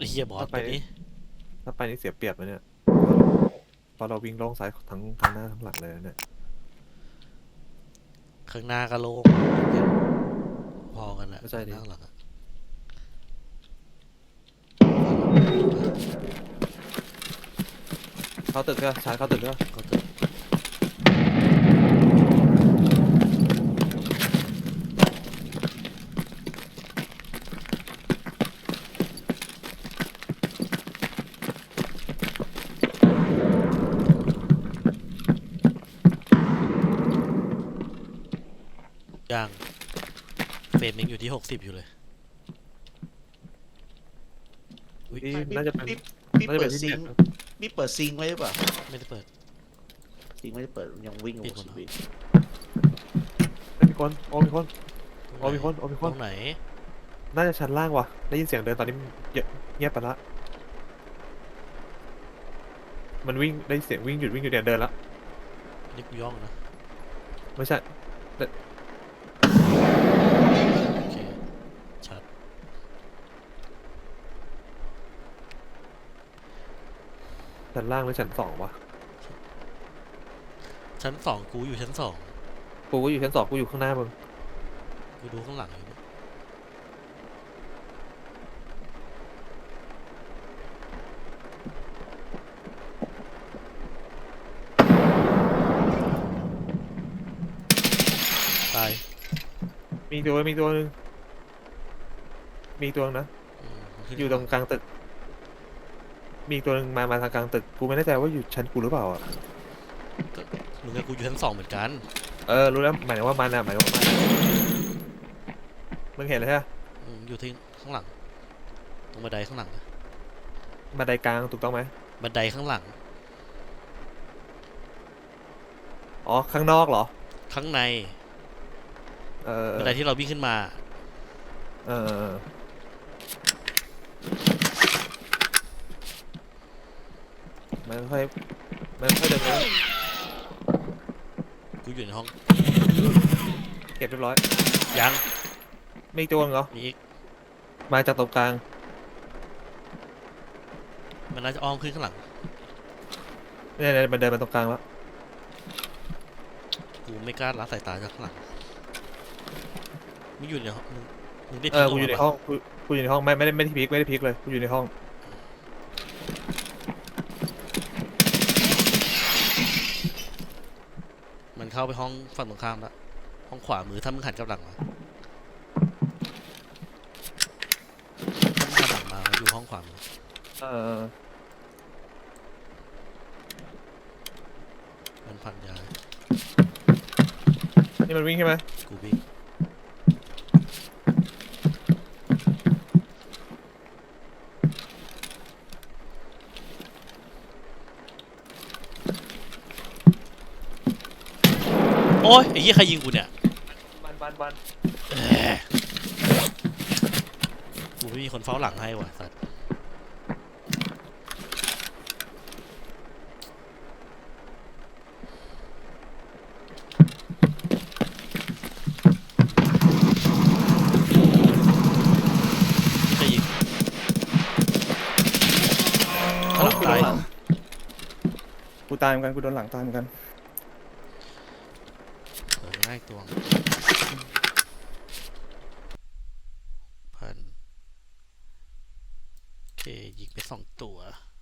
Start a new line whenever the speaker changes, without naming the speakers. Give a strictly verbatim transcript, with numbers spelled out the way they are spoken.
เฮียบอส
ถ้าไป
ตัวนี้
ถ้าไปนี่เสียเปรียบนะเนี่ยเพราะเราวิ่งโล่งซ้ายทั้งทั้งหน้าทั้งหลังเลยนะเนี่ย
ข้างหน้าก็โล่งพอกันอะ
ไม่ใช่ดิ
ข้างหน้าข้างหลังอะ
เข้าตึกก็ชาร์จเข้าตึกก็
ก็ตึกย่างเฟรมยังอยู่ที่หกสิบอยู่เลยอุ้ย
ที่
ไม่พี่
น่าจะเป็น
พี่พี่
น่าจะเป็นที่
เปิดซิงค์
เน็ตนะ
พี่เปิดซิงค์ไว้หรือเปล่า
ไม่ได้เปิด
ซิงค์ไม่ได้เปิดยังวิ่งอ
ปิด
ยู่
หมดแล้ว
สิบวิ
เอ้ยมีคนโอ้มีคนโอ้มีคนโอ้มีค
ตร
น
งไหน
น่าจะชั้นล่างว่ะได้ยินเสียงเดินตอนนี้มันเยอะเงียบไปละมันวิ่งได้เสียงวิ่งหยุดวิ่งหยุดเนี่ยเดินละ
นี่กูย่องนะ
ไม่ใช่เดิน
โอเคชัด
ชั้นล่างหรือชั้นสองวะ
ชั้นสองกูอยู่ชั้นสอง
กูก็อยู่ชั้นสองกูอยู่ข้างหน้ามึง
กูดูข้างหลังอยู่เนี่ยตาย
มีตัวมีตัวหนึงมีตัวนึงนะ
อืมมันขึ้น
อยู่ตรงกลางตึกมีตัวหนึงมามาทางกลางตึกกูไม่แน่ใจว่าอยู่ชั้นกูหรือเปล่าอ่ะ
ก็มึงกับกูอยู่ชั้นสองเหมือนกัน
เออรู้แล้วหมายถึงว่ามันอ่ะหมายถึงว่ามันมึงเห็นเลยใช่ไหม
อืมอยู่ที่ข้างหลังตรงบันไดข้างหลังอะ
บันไดกลางถูกต้องไหม
บันไดข้างหลัง
อ๋อข้างนอกเหรอ
ข้างใน
เออเออ
บันไดที่เราวิ่งขึ้นมา
เออเออเออมันค่อยมันค่อยเดินไป
กูอยู่ในห้อง
เก็บเรียบร้อย
ยัง
มีอีกตัวหนึงเหรอ
มีอีก
มาจากตรงกลาง
มันน่าจะอ้อมขึ้นข้างหลัง
เนี่ยเนี่ยมันเดินมาตรงกลางแล้ว
กูไม่กล้าละสายตาจากข้างหลังมึงอยู่ในห้องมึงมึงได้
เอ
พี
อกูอยู่ใน
กออกมาปะ
ห้องกูกูอยู่ในห้องไม่ไม่ได้ไม่ได้พลิกไม่ได้พลิกเลยกูอยู่ในห้อง
มันเข้าไปห้องฝั่งตรงข้ามละห้องขวามือถ้ามึงหันกลับหลังมาถ้ามึงหันหลังมามันอยู่ห้องขวามือ
เออ
มันพันยา
นี่มันวิ่งใช่ไหม
กูวิ่งโอ้ยไอ้เหี้ยใครยิงกูเนี่ย
บันบันบัน
เอ้ยกูไม่มีคนเฝ้าหลังให้ว่ะสัตว์ใครยิงข้างหลัง
กูโด
ตาย
นหลังกูตายเหมือนกันกูโดนหลังตายเหมือนกัน
เออง่ายตัวพันโอเคยิงไปสองตัว